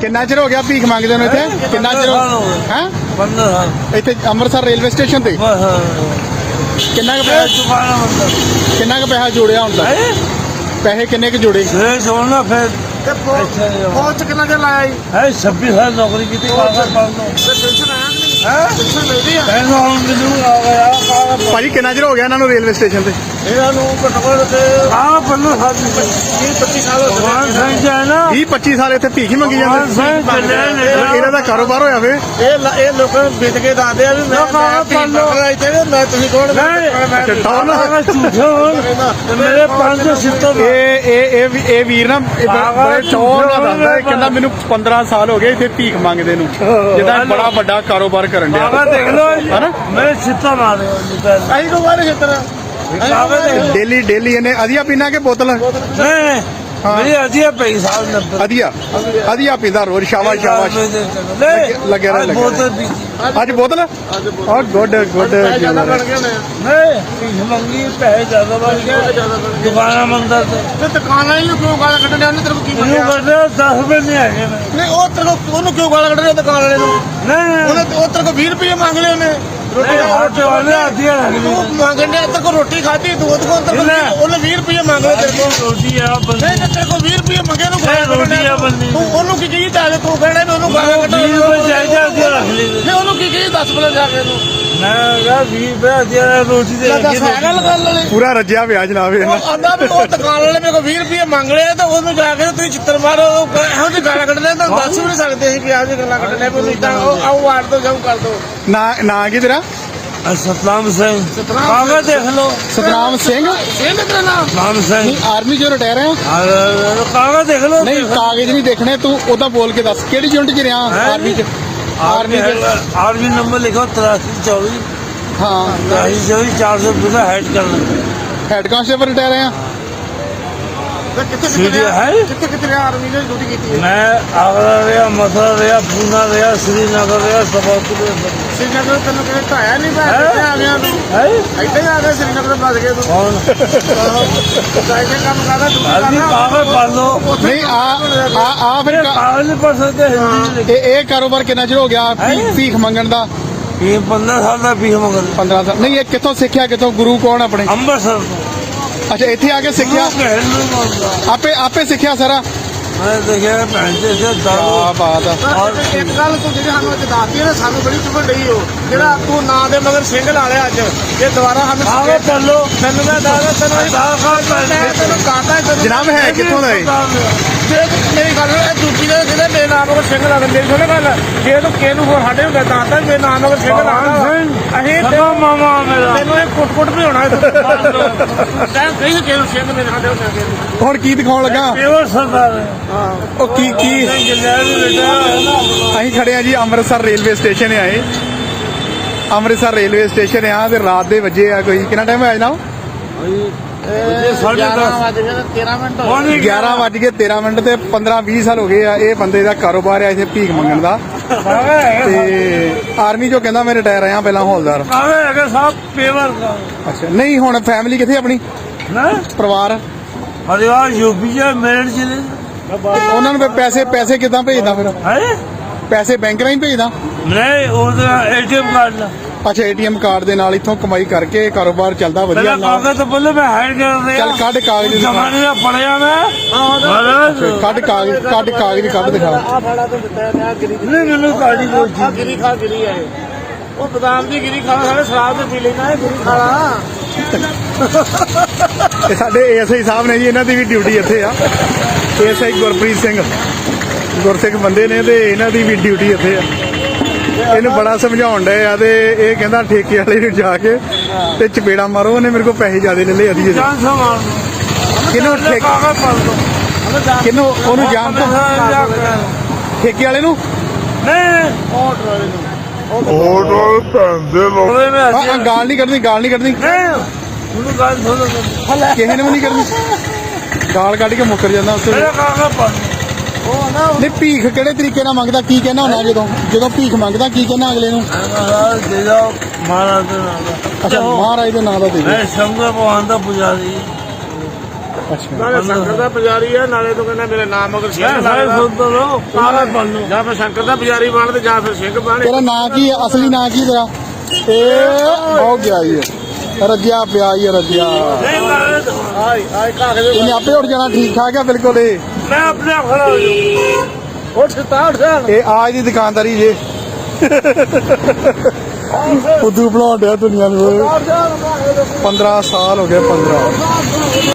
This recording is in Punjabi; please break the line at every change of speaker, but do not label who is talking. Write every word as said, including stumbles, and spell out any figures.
ਕਿੰਨਾ ਚਿਰ ਹੋ ਗਿਆ ਭੀਖ ਮੰਗਦੇ ਨੂੰ ਇੱਥੇ? ਕਿੰਨਾ ਚਿਰ ਹੈ?
पंद्रह साल
ਇੱਥੇ ਅੰਮ੍ਰਿਤਸਰ ਰੇਲਵੇ ਸਟੇਸ਼ਨ ਤੇ ਕਿੰਨਾ ਕੁ ਪੈਸਾ ਕਿੰਨਾ ਕੁ ਪੈਸਾ ਜੋੜਿਆ ਹੁਣ ਤੱਕ? ਪੈਸੇ ਕਿੰਨੇ ਕੁ ਜੋੜੇ?
छोड़ना फिर
ਪਹੁੰਚ ਕਿੰਨਾ ਚਿਰ ਲਾਇਆ ਜੀ?
है छब्बीस साल नौकरी की थी कागज पढ़ लो
ਤੇ ਪੈਨਸ਼ਨ ਆਇਆ ਕਿ ਨਹੀਂ? ਪੈਨਸ਼ਨ ਮਿਲਦੀ ਆ?
पैसा हम मिलूंगा आ गया कागज
ਭਾਜੀ ਕਿੰਨਾ ਚਿਰ ਹੋ ਗਿਆ ਇਹਨਾਂ ਨੂੰ ਰੇਲਵੇ ਸਟੇਸ਼ਨ ਤੇ?
ਇਹਨਾਂ ਨੂੰ ਘੱਟੋ ਘੱਟ ਹਾਂ ਪੰਦਰਾਂ ਸਾਲ
ਵੀਹ ਪੱਚੀ ਸਾਲ ਹੋ ਗਏ।
ਭਗਵਾਨ ਸਿੰਘ ਜੀ ਹੈ ਨਾ
ਵੀਹ ਪੱਚੀ ਸਾਲ ਇੱਥੇ ਭੀਖ ਹੀ ਮੰਗੀ
ਭਗਵਾਨ
ਜਾਂਦੇ।
ਸਿੰਘ ਚੱਲੇ ਨੇ
ਇਹਨਾਂ ਦਾ ਕਾਰੋਬਾਰ ਹੋਇਆ ਵੇ।
ਇਹ ਲ- ਇਹ ਲੋਕਾਂ ਨੂੰ ਵੇਚ ਕੇ ਦੱਸਦੇ ਆ ਵੀ ਮੈਂ ਮੈਂ ਭੀਖ ਮੰਗਦਾ ਇੱਥੇ ਤੇ ਮੈਂ ਤੁਸੀਂ ਕੌਣ? ਮੈਂ
ਟੌਰ ਨਾ
ਕਾਗਜ਼ ਝੂਠੇ ਹੋਣ ਤੇ ਮੇਰੇ ਪੰਜ ਸਿੱਤੋਂ
ਇਹ ਇਹ ਇਹ ਵੀ- ਇਹ ਵੀਰ ਨਾ ਇਹ ਬ- ਬੜੇ ਟੌਰ ਨਾਲ ਦੱਸਦਾ ਇਹ ਕਹਿੰਦਾ ਮੈਨੂੰ ਪੰਦਰਾਂ ਸਾਲ ਹੋ ਗਏ ਇੱਥੇ ਭੀਖ ਮੰਗਦੇ ਨੂੰ, ਜਿੱਦਾਂ ਬੜਾ ਵੱਡਾ ਕਾਰੋਬਾਰ ਕਰਨ ਡਿਆ।
ਕਾਗਜ਼ ਦੇਖ ਲਓ
ਹਨਾ?
ਮੇਰੇ ਸਿੱਤੋਂ ਮਾਰੇ
ਆਈ ਕੋ ਬਾਰੇ ਖੇਤਰ
ਕਾਗਜ਼ ਦੇਖ
ਡੇਲੀ ਡੇਲੀ ਇਹਨੇ ਅਧੀਆ ਪੀਣਾ ਕਿ ਬੋਤਲ?
ਨਹੀਂ ਮੇਰੀ ਅਜੀਬ ਪਈ ਸਾਲ ਨੰਬਰ
ਅਧੀਆ ਅਧੀਆ ਪੀਂਦਾ ਰੋਜ਼। ਸ਼ਾਬਾਸ਼ ਸ਼ਾਬਾਸ਼।
ਨਹੀਂ
ਲੱਗਿਆ ਰਹਿ, ਲੱਗਿਆ
ਬੋਤਲ
ਰਹਿ।
ਪੀਤੀ
ਅੱਜ ਬੋਤਲ ਔਰ ਗੁੱਡ ਗੁੱਡ
ਜ਼ਿਆਦਾ ਬਣ ਗਏ ਨੇ
ਨਹੀਂ ਭੀਖ ਮੰਗੀ ਪੈਸੇ ਜ਼ਿਆਦਾ ਬਣ ਗਏ ਦੁਕਾਨਾਂ ਮੰਦਰ ਤੇ
ਤੇ ਦੁਕਾਨ ਵਾਲੇ ਨੂੰ ਕਿਉਂ ਗਾਲਾਂ ਕੱਢਣ ਡਿਆ? ਉਹਨੇ ਤੇਰੇ ਕੋਲ ਕੀ
ਇਹਨੂੰ
ਮੰਗਿਆ?
ਕਰਦੇ ਦਸ ਰੁਪਏ ਨਹੀਂ ਹੈਗੇ ਨੇ
ਨਹੀਂ ਉਹ ਤੇਰੇ ਕੋਲ ਉਹਨੂੰ ਕਿਉਂ ਗਾਲਾਂ ਕੱਢ ਰਿਹਾ ਦੁਕਾਨ ਵਾਲੇ ਨੂੰ?
ਨਹੀਂ
ਉਹਨੇ ਉਹ ਤੇਰੇ ਕੋਲ ਵੀਹ ਰੁਪਏ ਮੰਗ ਲਏ ਉਹਨੇ ਰੋਟੀ ਦਾ।
ਰੋਟੀ ਵਾਲੇ ਆਦੀਆਂ
ਤੂੰ ਮੰਗਣ ਡਿਆ ਤੇਰੇ ਕੋਲ ਰੋਟੀ ਖਾਧੀ ਤੂੰ ਉਹਦੇ ਕੋਲ ਤੇਰੇ ਕੋਲ
ਨਹੀਂ।
ਉਹਨੇ ਵੀਹ ਰੁਪਏ ਮੰਗ ਲਏ ਤੇਰੇ ਕੋਲ।
ਰੋਟੀ ਆ ਬੰਦੇ
ਨਹੀਂ ਤੇ ਤੇਰੇ ਕੋਲ ਵੀਹ ਰੁਪਏ ਮੰਗੇ ਨੂੰ ਗਾਲਾਂ ਕੱਢਣ
ਰੋਟੀ ਆ
ਡਿਆ।
ਬੰਦੀ
ਤੂੰ ਉਹਨੂੰ ਕੀ ਕਹੀ ਤਾਂ ਤੂੰ ਕਹਿਣਾ ਵੀ ਉਹਨੂੰ ਗਾਲਾਂ ਕੱਢ
ਵੀਹ ਰੁਪਏ ਚਾਹੀਦਾ ਅੱਗੇ ਰੱਖ ਲਈ
ਨਹੀਂ ਉਹਨੂੰ ਕੀ ਕਹੀ ਦੱਸ ਬਲੇ ਜਾ ਕੇ ਉਹਨੂੰ
ਮੈਂ ਕਿਹਾ ਵੀਹ ਰੁਪਏ ਆਦੀਆਂ ਰੋਟੀ ਦੇ ਅੱਗੇ
ਦੱਸ ਹੈਗਾ ਗੱਲ ਵਾਲੇ
ਪੂਰਾ ਰੱਜਿਆ ਪਿਆ ਜਨਾਬ ਇਹਨਾਂ।
ਉਹ ਆਂਦਾ ਵੀ ਉਹ ਦੁਕਾਨ ਵਾਲੇ ਮੇਰੇ ਕੋਲ ਵੀਹ ਰੁਪਏ ਮੰਗ ਲਏ ਤਾਂ ਉਹਨੂੰ ਜਾ ਕੇ ਤੁਸੀਂ ਚਿੱਤਰ ਮਾਰੋ ਇਹੋ ਜਿਹੀ ਗਾਲਾਂ ਕੱਢਦੇ ਤਾਂ ਦੱਸ ਵੀ ਨਹੀਂ ਸਕਦੇ ਸੀ ਕਿ ਇਹੋ ਜਿਹੀ ਗੱਲਾਂ ਕੱਢਣੇ ਵੀ ਨਹੀਂ ਤਾਂ ਉਹ ਆਓ ਵਾਰ ਦੋ ਜਾਓ ਕਰ ਦੋ
ਨਾ ਨਾ ਕੀ ਤੇਰਾ?
ਸਤਨਾਮ ਸਿੰਘ
ਸਤਨਾਮ
ਕਾਗਜ਼ ਦੇਖ ਲਓ
ਸਤਨਾਮ ਸਿੰਘ।
ਇਹ ਤੇਰਾ ਨਾਮ
ਸਤਨਾਮ ਸਿੰਘ
ਨਹੀਂ ਆਰਮੀ ਚੋਂ ਰਿਟਾਇਰ ਆ?
ਕਾਗਜ਼ ਦੇਖ ਲਓ
ਨਹੀਂ ਕਾਗਜ਼ ਨਹੀਂ ਦੇਖਣੇ, ਤੂੰ ਉਹਦਾ ਬੋਲ ਕੇ ਦੱਸ ਕਿਹੜੀ ਯੂਨਿਟ 'ਚ ਰਿਹਾ ਆਰਮੀ 'ਚ? ਆਰਮੀ 'ਚ
आर्मी नंबर लिखो तिरासी चौबीस
ਹਾਂ
तिरासी चौबीस चार सौ पूरा हेड करना
ਹੈਡ ਕਾਂਸਟੇਬਲ ਰਿਟਾਇਰ ਆ?
ਤੇ ਕਿੱਥੇ
सीधी
ਕਿੱਥੇ ਰਿਹਾ
है
ਕਿੱਥੇ ਕਿੱਥੇ ਰਿਹਾ ਆਰਮੀ ਨੇ ਡਿਊਟੀ ਕੀਤੀ ਹੈ
मैं आगरा रहा मथुरा रहा पूना रहा श्रीनगर रहा सबलपुर रहा
श्रीनगर ਤੈਨੂੰ ਕਿਹਨੇ ਢਾਇਆ ਨਹੀਂ ਪਾ ਕਿੱਥੇ ਆ ਗਿਆ ਤੂੰ
है
ਇੱਥੇ ਹੀ ਆ ਗਿਆ श्रीनगर ਫਸ ਗਿਆ ਤੂੰ
कौन
ਕਾਇਦੇ ਕੰਮ ਕਰਦਾ ਡਿਊਟੀ
आदमी
ਕਰਦਾ
कागज पढ़ लो
ਨਹੀਂ ਆ ਆ ਆ ਫਿਰ ਕਾ-
कागज नहीं पढ़ सकते हिंदी में लिखे
ਇਹ ਇਹ ਕਾਰੋਬਾਰ ਕਿੰਨਾ ਚਿਰ ਹੋ ਗਿਆ ਭੀ-
ਹੈਂ?
ਭੀਖ ਮੰਗਣ ਦਾ?
ये पंद्रह साल का भी मगर
ਪੰਦਰਾਂ ਸਾਲ। ਨਹੀਂ ਇਹ ਕਿੱਥੋਂ ਸਿੱਖਿਆ? ਕਿੱਥੋਂ ਗੁਰੂ ਕੌਣ ਆਪਣੇ?
अम्बरसर
ਅੱਛਾ ਇੱਥੇ ਆ ਕੇ ਸਿੱਖਿਆ? ਆਪੇ ਆਪੇ ਸਿੱਖਿਆ ਸਾਰਾ?
मैं देखा पहनते से दारू
ਆ ਬਾਤ ਆ।
ਔਰ ਇੱਕ ਗੱਲ ਤੂੰ ਜਿਹੜੀ ਸਾਨੂੰ ਅੱਜ ਦੱਸਦੀ ਹੈ ਨਾ ਸਾਨੂੰ ਬੜੀ ਚੁਭਣ ਡਈ ਹੋ ਜਿਹੜਾ ਤੂੰ ਨਾਂ ਦੇ ਮਗਰ ਸਿੰਘ ਲਾ ਲਿਆ ਅੱਜ ਇਹ ਦੁਬਾਰਾ ਸਾਨੂੰ
कागज पढ़ लो
ਮੈਨੂੰ ਮੈਂ ਦੱਸਦਾ ਤੈਨੂੰ ਇਹ
आधार कार्ड पढ़
ਮੈਂ ਤੈਨੂੰ ਕਹਤਾ ਤੈਨੂੰ
ਜਨਾਬ ਹੈ ਕਿੱਥੋਂ ਦਾ ਇਹ?
ਜੇ ਤੂੰ ਮੇਰੀ ਗੱਲ ਇਹ ਦੂਜੀ ਦੇ ਜਿਹਦੇ ਮੇਰੇ ਨਾਮ ਮਗਰ ਸਿੰਘ ਲਾ ਦੇ ਮੇਰੀ ਸੁਣੇ ਗੱਲ ਜੇ ਤੂੰ ਕਿਹਨੂੰ ਹੋਰ ਸਾਡੇ ਨੂੰ ਦੱਸਦਾ ਤਾਂ ਮੇਰੇ ਨਾਮ ਮਗਰ ਸਿੰਘ ਲਾ ਅਸੀਂ
सदा मामा मेरा
ਤੈਨੂੰ ਇਹ ਕੁੱਟ ਕੁੱਟ ਵੀ ਹੋਣਾ ਤੈਨੂੰ ਕਹੀ ਕਿਹਨੂੰ ਸਿੰਘ ਮੇਰੇ ਸਾਡੇ ਹੋ ਗਿਆ
ਹੁਣ ਕੀ ਦਿਖਾਉਣ ਲੱਗਾ?
पेवर सरदार है
ਉਹ ਕੀ ਕੀ
जलैल बेटा है ना
ਅਸੀਂ ਖੜੇ ਆ ਜੀ ਅੰਮ੍ਰਿਤਸਰ ਰੇਲਵੇ ਸਟੇਸ਼ਨ ਆਏ। ਅੰਮ੍ਰਿਤਸਰ ਰੇਲਵੇ ਸਟੇਸ਼ਨ ਆ ਤੇ ਰਾਤ ਦੇ ਵਜੇ ਆ ਕੋਈ ਕਿੰਨਾ ਟਾਈਮ ਹੋਇਆ ਜਨਾਬ?
साढ़े दस
ਤੇਰਾਂ ਮਿੰਟ
पौने
ਗਿਆਰਾਂ ਵੱਜ ਕੇ ਤੇਰਾਂ ਮਿੰਟ ਤੇ ਪੰਦਰਾਂ ਵੀਹ ਸਾਲ ਹੋ ਗਏ ਆ ਇਹ ਬੰਦੇ ਦਾ ਕਾਰੋਬਾਰ ਆ ਇੱਥੇ ਭੀਖ ਮੰਗਣ ਦਾ। ਤੇ ਆਰਮੀ ਚੋਂ ਕਹਿੰਦਾ ਮੈਂ ਰਿਟਾਇਰ ਆਇਆ ਪਹਿਲਾਂ ਹੌਲਦਾਰ।
कागज है साहब पेवर का
ਅੱਛਾ ਨਹੀਂ ਹੁਣ ਫੈਮਿਲੀ ਕਿੱਥੇ ਆਪਣੀ?
ना
ਪਰਿਵਾਰ
परिवार यूपी है मेरठ जिले
ਉਹਨਾਂ ਨੂੰ ਫਿਰ ਪੈਸੇ ਪੈਸੇ ਕਿੱਦਾਂ ਭੇਜਦਾ ਫਿਰ?
है
ਪੈਸੇ ਬੈਂਕ ਰਾਹੀਂ ਭੇਜਦਾ?
नहीं वो एटीएम कार्ड ला
ਅੱਛਾ ਏਟੀਐਮ ਕਾਰਡ ਦੇ ਨਾਲ ਇੱਥੋਂ ਕਮਾਈ ਕਰਕੇ ਕਾਰੋਬਾਰ ਚੱਲਦਾ ਵਧੀਆ
पहले
ਨਾਲ।
कागज तो बोले मैं हाइड कर रहा
ਚੱਲ ਕੱਢ ਕਾਗਜ਼ ਦਿਖਾ।
जमाने में पढ़िया मैं महाराज
ਕੱਢ ਕਾਗਜ਼ ਕੱਢ ਕਾਗਜ਼ ਕੱਢ ਦਿਖਾ।
ਆ ਫਾੜਾ ਤੋਂ ਦਿੱਤਾ ਹੈ ਗਿਰੀ
नहीं मैंने गाड़ी को
ਆ ਗਿਰੀ ਖਾ ਗਿਰੀ ਹੈ ਉਹ ਬਦਾਮ ਦੀ ਗਿਰੀ ਖਾਣਾ ਸਾਰੇ ਸ਼ਰਾਬ ਤੇ ਪੀ ਲੈਣਾ ਹੈ ਗਿਰੀ ਖਾਣਾ
ਇਹ ਸਾਡੇ ਏਐਸਆਈ ਸਾਹਿਬ ਨੇ ਜੀ, ਇਹਨਾਂ ਦੀ ਵੀ ਡਿਊਟੀ ਇੱਥੇ ਆ। ਏਐਸਆਈ ਗੁਰਪ੍ਰੀਤ ਸਿੰਘ ਗੁਰਸਿੱਖ ਬੰਦੇ ਨੇ ਤੇ ਇਹਨਾਂ ਦੀ ਵੀ ਡਿਊਟੀ ਇੱਥੇ ਆ। ਇਹਨੂੰ ਬੜਾ ਸਮਝਾਉਣ ਡਏ ਆ ਤੇ ਇਹ ਕਹਿੰਦਾ ਠੇਕੇ ਵਾਲੇ ਨੂੰ ਜਾ ਕੇ ਤੇ ਚਪੇੜਾ ਮਾਰੋ, ਉਹਨੇ ਮੇਰੇ ਕੋਲ ਪੈਸੇ ਜ਼ਿਆਦੇ ਲੈ ਲਏ ਅਧੀ ਦੇ।
जान से मार दो
ਕਿਹਨੂੰ ਠੇਕ
कागज पढ़ दो
ਕਿਹਨੂੰ ਉਹਨੂੰ ਜਾਣ ਤੋਂ ਠੇਕੇ ਵਾਲੇ ਨੂੰ?
नहीं
ਆਰਡਰ ਵਾਲੇ ਨੂੰ
बोले में
ਆ
हंसी
ਆ, ਗਾਲ ਨਹੀਂ ਕੱਢਣੀ ਗਾਲ ਨਹੀਂ ਕੱਢਣੀ
नहीं उन्होंने गाल थोड़ा
ਕਿਸੇ ਨੇ ਵੀ ਨਹੀਂ ਕਰਨੀ। ਗਾਲ ਕੱਢ ਕੇ ਮੁੱਕਰ ਜਾਂਦਾ ਉੱਥੇ।
मेरा कागज पढ़ दो
ਉਹ ਨਾ
ਨਹੀਂ ਭੀਖ ਕਿਹੜੇ ਤਰੀਕੇ ਨਾਲ ਮੰਗਦਾ? ਕੀ ਕਹਿਣਾ ਹੁੰਦਾ ਜਦੋਂ ਜਦੋਂ ਭੀਖ ਮੰਗਦਾ ਕੀ ਕਹਿਣਾ ਅਗਲੇ ਨੂੰ?
महाराज दे जाओ महाराज दे जाओ
ਅੱਛਾ ਮਹਾਰਾਜ ਦੇ ਨਾਂ ਦਾ ਦੇ ਦਿਓ।
मैं शंकर भगवान का पुजारी
ਅੱਛਾ
ਨਾਲੇ ਸ਼ੰਕਰ ਦਾ ਪੁਜਾਰੀ ਆ ਨਾਲੇ ਤੂੰ ਕਹਿੰਦਾ ਮੇਰੇ ਨਾਮ ਮਗਰ ਸਿੰਘ
ਸਾਰੇ
ਲੱਗਦਾ
ਸੁਣਦੇ ਰਹੋ ਸਾਰੇ ਬਣ ਲਓ
ਜਾਂ ਫਿਰ ਸ਼ੰਕਰ ਦਾ ਪੁਜਾਰੀ ਬਣ ਤੇ ਜਾਂ ਫਿਰ ਸਿੰਘ ਬਣ
ਤੇਰਾ ਨਾਂ ਕੀ ਹੈ ਅਸਲੀ ਨਾਂ ਕੀ ਤੇਰਾ ਇਹ ਹੋ ਗਿਆ ਜੀ ਰੱਜਿਆ ਪਿਆ ਹੀ ਰੱਜਿਆ
ਆਈ ਆਈ ਕਾਗਜ਼
ਇਹਨੇ ਆਪੇ ਉੱਠ ਜਾਣਾ ਠੀਕ ਠਾਕ ਆ ਬਿਲਕੁਲ ਇਹ
ਮੈਂ ਆਪਣੇ ਆਪ ਖੜਾ ਹੋ ਜਾਊਂ ਉੱਠ ਤਾ ਉੱਠ
ਇਹ ਆਜ ਦੀ ਦੁਕਾਨਦਾਰੀ ਜੇ ਫੁੱਦੂ ਬਣਾਉਣ ਡਿਆ ਦੁਨੀਆ ਨੂੰ ਪੰਦਰਾਂ ਸਾਲ ਹੋ ਗਏ ਪੰਦਰਾਂ